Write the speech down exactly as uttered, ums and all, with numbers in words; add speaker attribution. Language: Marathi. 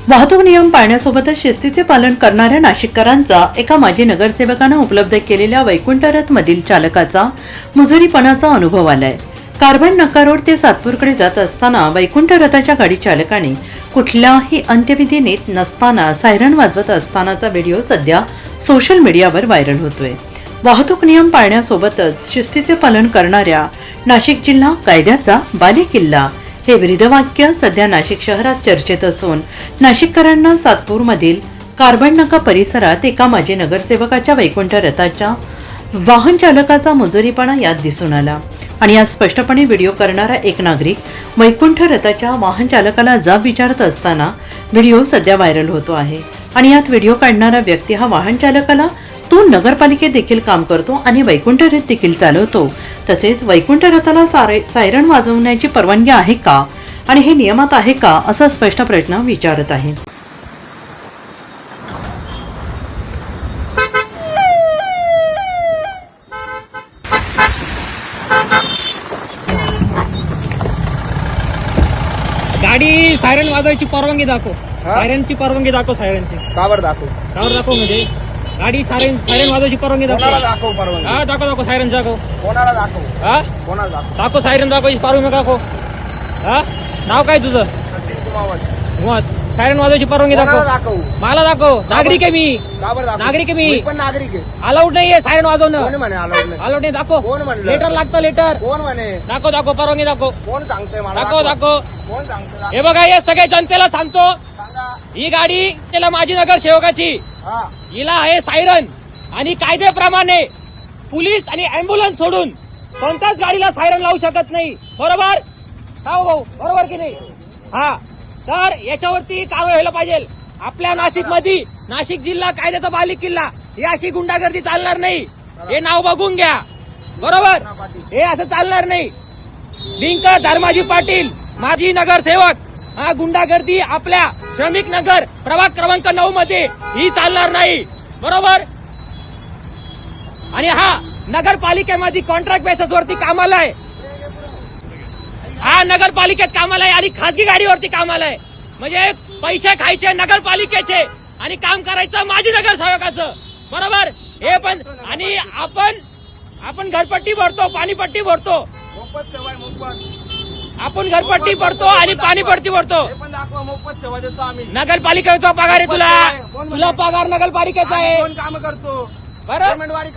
Speaker 1: वाहतूक नियम पाळण्यासोबतच शिस्तीचे पालन करणाऱ्या नाशिककरांचा एका माजी नगरसेवकानं उपलब्ध केलेल्या वैकुंठ रथ मधील चालकाचा मुजोरीपणाचा अनुभव आलाय। कार्बन नाका रोड ते सातपूरकडे जात असताना वैकुंठ रथाच्या गाडी चालकाने कुठल्याही अंत्यविधी नेत नसताना सायरन वाजवत असतानाचा व्हिडिओ सध्या सोशल मीडियावर व्हायरल होतोय। वाहतूक नियम पाळण्यासोबतच शिस्तीचे पालन करणाऱ्या नाशिक जिल्हा कायद्याचा बालेकिल्ला हे ब्रीदवाक्य सध्या नाशिक शहरात चर्चेत असून नाशिककरांना सातपूरमधील कार्बन नाका परिसरात एका माजी नगरसेवकाच्या वैकुंठ रथाच्या वाहन चालकाचा मुजोरीपणा यात दिसून आला आणि यात स्पष्टपणे व्हिडिओ करणारा एक नागरिक वैकुंठ रथाच्या वाहन चालकाला जाब विचारत असताना व्हिडिओ सध्या व्हायरल होतो आहे। आणि यात व्हिडिओ काढणारा व्यक्ती हा वाहन चालकाला तू नगरपालिकेत देखील काम करतो आणि वैकुंठ रथ देखील चालवतो, तसेच वैकुंठ रथाला सायरन वाजवण्याची परवानगी आहे का आणि हे नियमात आहे का असा स्पष्ट प्रश्न विचारत आहे।
Speaker 2: गाडी सायरन वाजवायची परवानगी दाखव, सायरनची परवानगी दाखव, सायरनची
Speaker 3: का बरं दाखव
Speaker 2: का बरं दाखव म्हणजे गाडी सायरन सायरन वाजवायची परवानगी दाखव,
Speaker 3: दाखव परवानगी
Speaker 2: हा दाखव दाखव सायरन दाखव,
Speaker 3: कोणाला दाखव
Speaker 2: हा
Speaker 3: कोणाला दाखव
Speaker 2: दाखव सायरन दाखवायची परवानगी दाखव। हा नाव काय तुझं?
Speaker 3: सचिन कुमावत
Speaker 2: मग सायरन वाजवायची परवानगी
Speaker 3: कोणाला
Speaker 2: दाखव,
Speaker 3: दाखव
Speaker 2: मला दाखव। नागरिक आहे मी,
Speaker 3: का बरं दाखव
Speaker 2: नागरिक आहे मी,
Speaker 3: मी पण नागरिक आहे।
Speaker 2: अलाउड नाहीये सायरन
Speaker 3: कोण
Speaker 2: वाजवणं,
Speaker 3: म्हणे अलाउड नाही?
Speaker 2: अलाउड नाही दाखव,
Speaker 3: कोण म्हणलं?
Speaker 2: लेटर लागतं लेटर,
Speaker 3: कोण म्हणे?
Speaker 2: दाखव दाखव परवानगी दाखव,
Speaker 3: कोण सांगतंय मला?
Speaker 2: दाखव दाखव।
Speaker 3: कोण सांगतंय?
Speaker 2: हे बघा हे सगळे जनतेला सांगतो,
Speaker 3: सांगा।
Speaker 2: ही गाडी त्याला माझी नगरसेवकाची,
Speaker 3: हा
Speaker 2: हिला आहे सायरन आणि कायद्याप्रमाणे पोलीस आणि अँब्युलन्स सोडून कोणत्याच गाडीला सायरन लावू शकत नाही, बरोबर? हो भाऊ बरोबर की नाही? हा तर याच्यावरती कारवाई व्हायला पाहिजे। आपल्या नाशिक मध्ये नाशिक जिल्हा कायद्याचा बालेकिल्ला ही अशी गुंडागर्दी चालणार नाही, हे नाव बघून घ्या, बरोबर? हे असं चालणार नाही। लिंक धर्माजी पाटील माजी नगरसेवक, हा गुंडागर्दी आपल्या श्रमिक नगर प्रभाग क्रमांक नऊ मध्ये ही चालणार नाही, बरोबर? आणि हा नगरपालिकेमध्ये कॉन्ट्रॅक्ट बेसिस वरती कामाला आहे, हा नगरपालिकेत कामाला आहे आणि खासगी गाडीवरती कामाला आहे, म्हणजे पैसे खायचे नगरपालिकेचे आणि काम करायचं माजी नगरसेवकाचं, बरोबर? हे पण आणि आपण आपण घरपट्टी भरतो, पाणीपट्टी भरतो,
Speaker 3: मोफत सेवा आहे, मोफत
Speaker 2: आपण घरपट्टी भरतो आणि पाणीपट्टी भरतो,
Speaker 3: हे पण दाखवा, मोफत सेवा देतो आम्ही।
Speaker 2: नगरपालिकेचा पगार आहे तुला, तुला पगार नगरपालिकेचा आहे,
Speaker 3: कोण काम करतो?
Speaker 2: बरं?
Speaker 3: पेमेंटवारी